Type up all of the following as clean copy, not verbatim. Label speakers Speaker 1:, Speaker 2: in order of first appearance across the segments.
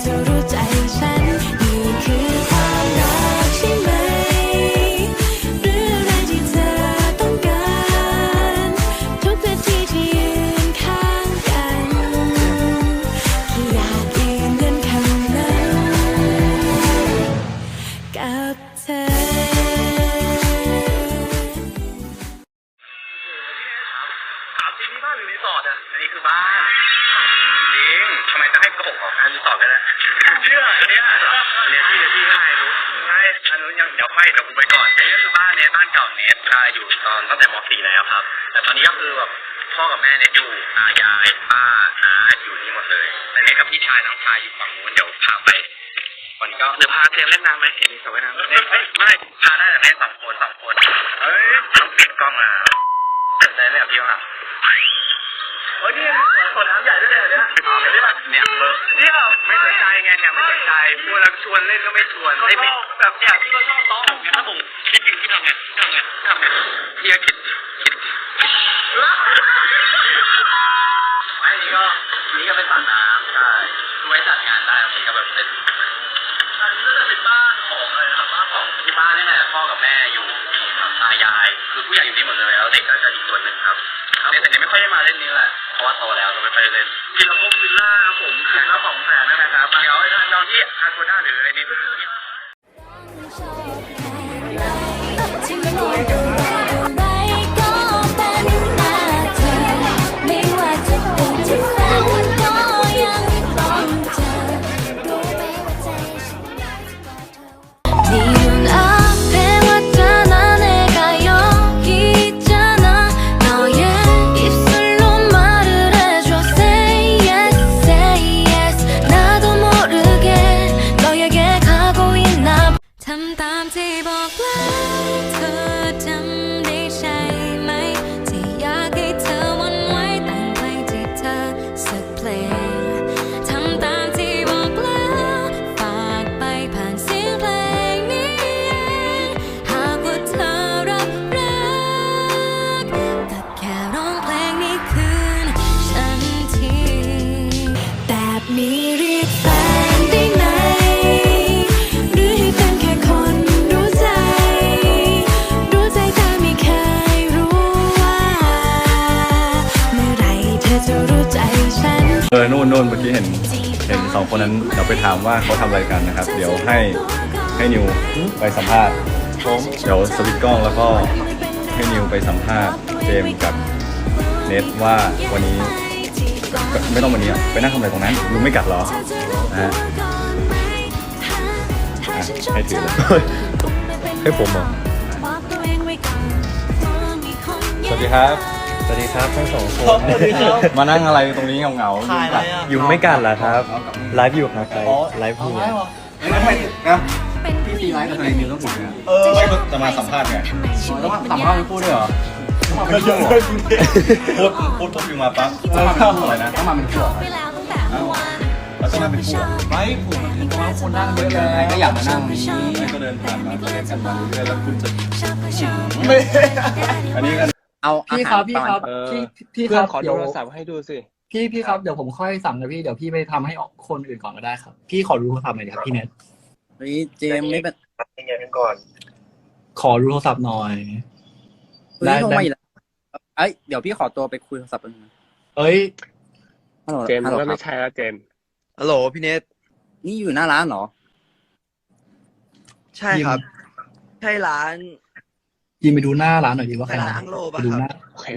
Speaker 1: จะรู้ใจฉันนี่คือความรักใช่ไหมหรืออะไรที่เธอต้องการทุกนาทีที่ยืนข้างกันแค่อยากยืนยันคำนั้นกับเธอ
Speaker 2: ถามจริงนี่บ้านหรือรีสอร์ทอ่ะอันนี้คือบ้านจริงทำไมต้องให้โกหกออกการรีสอร์ทกันล่ะเชื่ออันนี้พี่ง่ายรู้ง่ายอันนู้นยังเดี๋ยวค่อยจะกูไปก่อนอันนี้คือบ้านเนทบ้านเก่าเนทอยู่ตอนตั้งแต่ม .4 แล้วครับแต่ตอนนี้ก็คือแบบพ่อกับแม่เนทอยู่ตายายป้าน้าอยู่นี่หมดเลยแต่เนทกับพี่ชายน้องชายอยู่ฝั่งนู้นเดี๋ยวพาไปวันนี้ก็เดี๋ยวพาเตรียมเล่นน้ำไหมเห็นมีสระว่ายน้ำไม่พาได้แต่เล่นสองคนเฮ้ยปิดกล้องมาสนใจเล่นกับพี่มั้งโอ้ยนี่สวนน้ำใหญ่ด้วยเนี่ยเนี่ยไม่สนใจไงเนี่ยไม่สนใจพูดแล้วชวนเล่นก็ไม่ชวนไม่แบบเนี่ยพี่ก็ชอบโต๊ะถ้าผมคิดจริงที่ทำไงพี่ก็คิดไม่นี่ก็เป็นสระน้ำใช่ไว้จัดงานได้ตรงนี้ก็แบบเป็นอันนี้ก็จะเป็นบ้านของอะไรครับบ้านของที่บ้านนี่แหละพ่อกับแม่อยู่ตายายคือผู้ใหญ่อยู่นี่หมดเลยแล้วเด็กก็จะอีกส่วนหนึ่งครับแต่เด็กไม่ค่อยได้มาเล่นนี้แหละเพราะว่าโตแล้วก็ไม่ค่อยได้เล่นวิลล่าวิลล่าครับผมคืนละ200,000นะครับเดี๋ยวจองที่อาโกด้าหรืออะไรนี่
Speaker 1: ที่ไม่รู้อะไรก็เป็นหน้าเธอไม่ว่าจะเป็นที่แฟนก็ยังต้องเจอรู้ไหมว่าใจฉันอยากจะบอกเธอ네 눈앞에 왔잖아 내가 여기 있잖아 너의 입술로 말을 해줘 Say yes say yes 나도 모르게 너에게 가고 있나ทำตามที่บอกแล้วเธอจำได้ใช่ไหมที่อยากให้เธอวันไว้แต่งเพลงที่เธอสักเพลงทำตามที่บอกแล้วฝากไปผ่านเสียงเพลงนี้หากว่าเธอรับรักแต่แค่ร้องเพลงนี้คืนฉันทีแบบนี้เรียกแฟนได้ไหมหรือให้เป็นแค่คนรู้ใจแต่ไม่เคยรู้ว่าเมื่อไหร่เธอจะรู้ใจฉัน
Speaker 3: นู่นเมื่อกี้เห็นสองคนนั้นเดี๋ยวไปถามว่าเขาทำอะไรกันนะครับเดี๋ยวให้นิวไปสัมภาษณ์เดี๋ยวสวิตช์กล้องแล้วก็ให้นิวไปสัมภาษณ์เจมส์กับเนทว่าวันนี้ไม่ต้องวันนี้ไปนั่งทำอะไรตรงนั้นลุงไม่กัดหรอนะฮะให้ถือ
Speaker 4: ให้ผมเหรอ
Speaker 3: สวัสดีครับ
Speaker 4: สวัสดีครับทั้งสองคน
Speaker 3: มานั่งอะไรตรงนี้เงา
Speaker 4: ยุงไม่กัดเหรอครับไลฟ์อยู่ครับไลฟ์อยู่
Speaker 3: ไม่นะพี่ตีไลฟ์กับทนายนิวต้องถูกนะไม่จะมาสัมภาษณ์ไงต้องสัมภาษณ์ไม่พูดด้วยเหรอพูดปุ๊บอยู่มาปั๊บอะไรนะต้องมาเป็นคู่แล้วต้องมาเป็นคู่ไม่ผมว่าคนนั่งเยอะเลยก็อยากมานั่งนี้ก็เดินผ่านมาเล่นกันมาเรื่อยๆแล้วคุณจะไม่อันนี้กัน
Speaker 5: เอาพี่ครับพี่ครับ
Speaker 4: ขอดูโทรศัพท์ให้ดูสิ
Speaker 5: พี่ครับเดี๋ยวผมค่อยสั่งนะพี่เดี๋ยวพี่ไปทำให้คนอื่นก่อนก็ได้ครับพี่ขอดูโทรศัพท์หน่อยครับพี่เน็ต
Speaker 2: เฮ้ยเจมไม่เป็นยังไงกันก่อน
Speaker 5: ขอดูโทรศัพท์หน่อย
Speaker 2: ได้เดี๋ยวพี่ขอตัวไปคุยโทรศัพท์กัน
Speaker 4: เจมก็ไม่ใช่แล้วเจม
Speaker 2: ฮัลโหลพี่เนทนี่อยู่หน้าร้านเหรอใช่ครับใช่ร้าน
Speaker 5: ยิงไปดูหน้าร้านหน่อยดีว่าใคร
Speaker 2: อังโลป่ะ
Speaker 4: ครับโอเค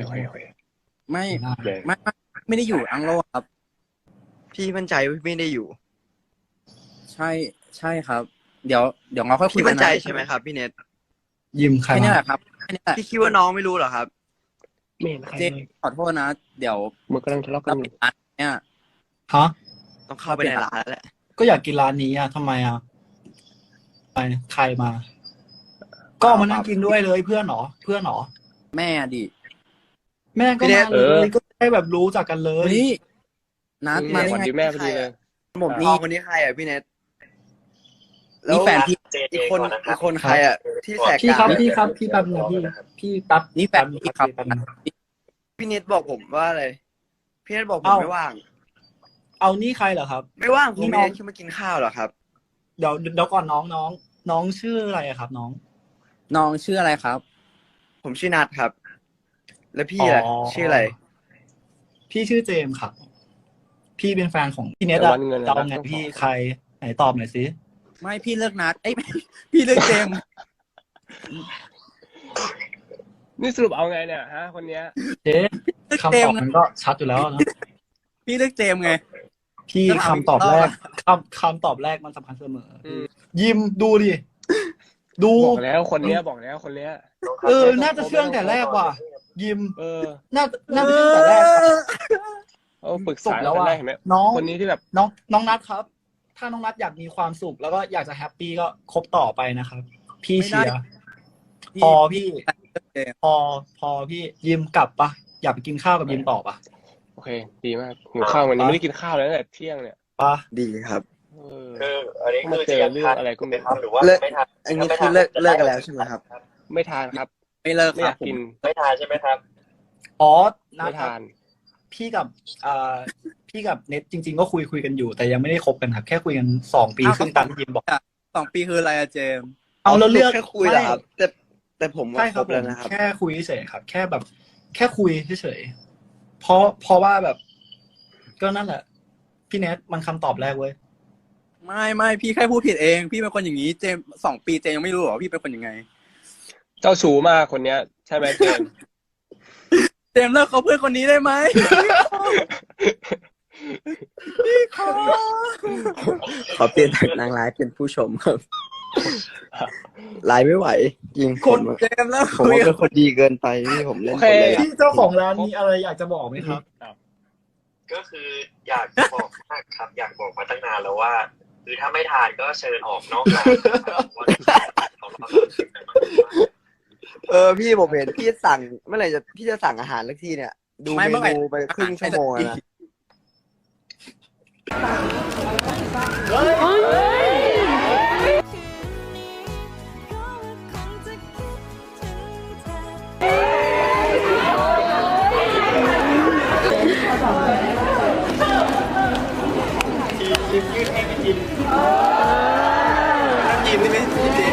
Speaker 2: ไม่ได้อยู่อังโลครับพี่มั่นใจว่าไม่ได้อยู่ใช่ครับเดี๋ยวเราค่อยคุยกันพี่มั่นใจใช่ไหมครับพี่เนท
Speaker 5: ยิมใคร
Speaker 2: นี่แหละครับพี่คิดว่าน้องไม่รู้เหรอครับเจมขอโทษนะเดี๋ยว
Speaker 4: มันกำลังทะเลาะกัน
Speaker 2: เนี่ย
Speaker 5: ฮะ
Speaker 2: ต้องเข้าไปในร้านแล้วแหละ
Speaker 5: ก็อยากกินร้านนี้ทำไมไปใครมาก็มานั่งกินด้วยเลยเพื่อนหรอ
Speaker 2: แม่ดิ
Speaker 5: แม่ก็มาเลยก็ได้แบบรู้จักกันเลย
Speaker 2: นัดมาได้ไง
Speaker 4: แม่พอดีเลย
Speaker 2: ผมนี่คนนี้ใครพี่เนทนี่แฟนพี่อีกคนใครที่แสก
Speaker 5: พี่ครับพี่แป๊บนึงพี่แป๊บ
Speaker 2: นี่แฟนพี่ครับพี่เนทบอกผมว่าอะไรพี่เนทบอกผมไม่ว่าง
Speaker 5: เอานี่ใครเหรอครับ
Speaker 6: ไม่ว่างผม
Speaker 5: นี่น้
Speaker 6: ไม่
Speaker 5: อง
Speaker 6: ได้ขึ้นมากินข้าวหรอครับ
Speaker 5: เดี๋ยวก่อนน้องชื่ออะไรอะครับ น้อง
Speaker 7: น้องชื่ออะไรครับ
Speaker 6: ผมชื่อนัทครับ แล้วพี่ล่ะชื่ออะไร
Speaker 5: พี่ชื่อเจมส์ครับ พี่เป็นแฟนของพี่เนท
Speaker 8: แต่
Speaker 5: อะ
Speaker 8: วันเงินอะ
Speaker 5: เดาไงพี่ใครไหนตอบหน่อยสิ
Speaker 7: ไม่พี่เลิกนัดเอ้ย พี่เลิกเจมส์
Speaker 8: นี่สรุปเอาไงเนี่ยฮะคนเนี้ย
Speaker 5: เจ๊คำตอบมันก็ชัดอยู่แล้วนะ
Speaker 7: พี่เลิกเจมส์ไง
Speaker 5: พี่
Speaker 7: ต้องเอา
Speaker 5: คำตอบแรก
Speaker 7: อีกรอบ
Speaker 5: คำตอบแรกมันสำคัญเสมออยิมดูดิดู
Speaker 8: บอกแล้วคนเนี้ยบอกแล้วคนเนี้ย
Speaker 5: น่าจะเชื่องแต่แรกว่ะ ยิม
Speaker 8: เออ
Speaker 5: น่าจะเชื่องแต่แรกครับ
Speaker 8: เอาปรึก
Speaker 5: จ
Speaker 8: ษา
Speaker 5: บแล้ว
Speaker 8: กัน
Speaker 5: อ่ะ
Speaker 8: ได้เห็นไหม
Speaker 5: น้อง
Speaker 8: คนนี้ที่แบบ
Speaker 5: น้องนัทครับ ถ้าน้องนัทอยากมีความสุขแล้วก็อยากจะแฮปปี้ก็คบต่อไปนะครับ พี่เชียร์พอพี่พอพี่ยิมกลับปะอยากไปกินข้าวกับยิมต่อปะ
Speaker 8: โอเค ดีมากหิวข้าววันนี้ไม่ได้กินข้าวเลยตั้งแต่เที่ยงเนี่ย
Speaker 5: ปะ
Speaker 6: ดีครับ
Speaker 2: อันนี้
Speaker 8: มา
Speaker 2: คือ
Speaker 8: เจอเรื่องอะไรก็ไม่รู้
Speaker 2: หรือว่า
Speaker 6: เลิก
Speaker 2: ไม่ทัน
Speaker 6: อันนี้คือเลิกกันแล้วใช่ไหมครับ
Speaker 8: ไม่ทานครับ
Speaker 7: ไม่เลิก
Speaker 8: ไม่
Speaker 7: ค
Speaker 8: อ
Speaker 7: รั
Speaker 8: ยา
Speaker 7: บ
Speaker 8: กกิน
Speaker 2: ไม่ทานใช่ไหมครับ
Speaker 5: อ๋อนั
Speaker 8: ไม่
Speaker 5: ทครับ
Speaker 8: ทาน
Speaker 5: พี่กับพี่กับเน็ตจริง ๆ ก็คุยกันอยู่ แต่ยังไม่ได้คบกันครับ แค่คุยกัน2 ปีครึ่งตามที่ยิมบอก
Speaker 7: 2 ปีคืออะไรอะเจมส์
Speaker 5: เอาแล้วเลือก
Speaker 6: แค่คุยเหรอครับ แต่ผมว่า
Speaker 5: ใช่
Speaker 6: ค
Speaker 5: ค
Speaker 6: ร
Speaker 5: รับบ
Speaker 6: แล้วนะครับ
Speaker 5: แค่คุยเฉยๆครับ แค่แบบ แค่คุยเฉยๆเพราะว่าแบบ ก็นั่นแหละ พี่เน็ตมันคำตอบแรกเว้ย
Speaker 7: ไม่พี่แค่พูดผิดเอง พี่เป็นคนอย่างนี้เจมส์2 ปีเจมส์ยังไม่รู้เหรอพี่เป็นคนยังไง
Speaker 8: เจ้าชู้มากคนเนี้ย ใช่ไหมเจมส์
Speaker 7: เจมส์เลิกเขาเพื่อนคนนี้ได้ไหม
Speaker 6: ขอเปลี่ยนจากนางร้ายเป็นผู้ชมครับไลฟ์ไม่ไหวจริง
Speaker 5: คน
Speaker 6: ผม
Speaker 7: เจมส์เลิก
Speaker 6: ผม
Speaker 7: คุย
Speaker 6: ว่าเป็นคนดีเกินไปที่ผมเล่น
Speaker 8: โอ
Speaker 6: ค
Speaker 8: เค
Speaker 6: นเลย
Speaker 5: พี่เจ้าของร้านมีอะไรอยากจะบอกไหมครับ
Speaker 2: ก็คืออยากจะบอกมากครับ อยากบอกมาตั้งนานแล้วว่า คือถ้าไม่ทานก็เชิญออกนอกร้านนะครับว่าของเรา
Speaker 6: พี่ผมเห็นพี่สั่งเมื่อไหร่พี่จะสั่งอาหารสักทีเนี่ย ดูเมนูไปครึ่งชั่วโมงแล้วนะ
Speaker 7: ยินดีไหม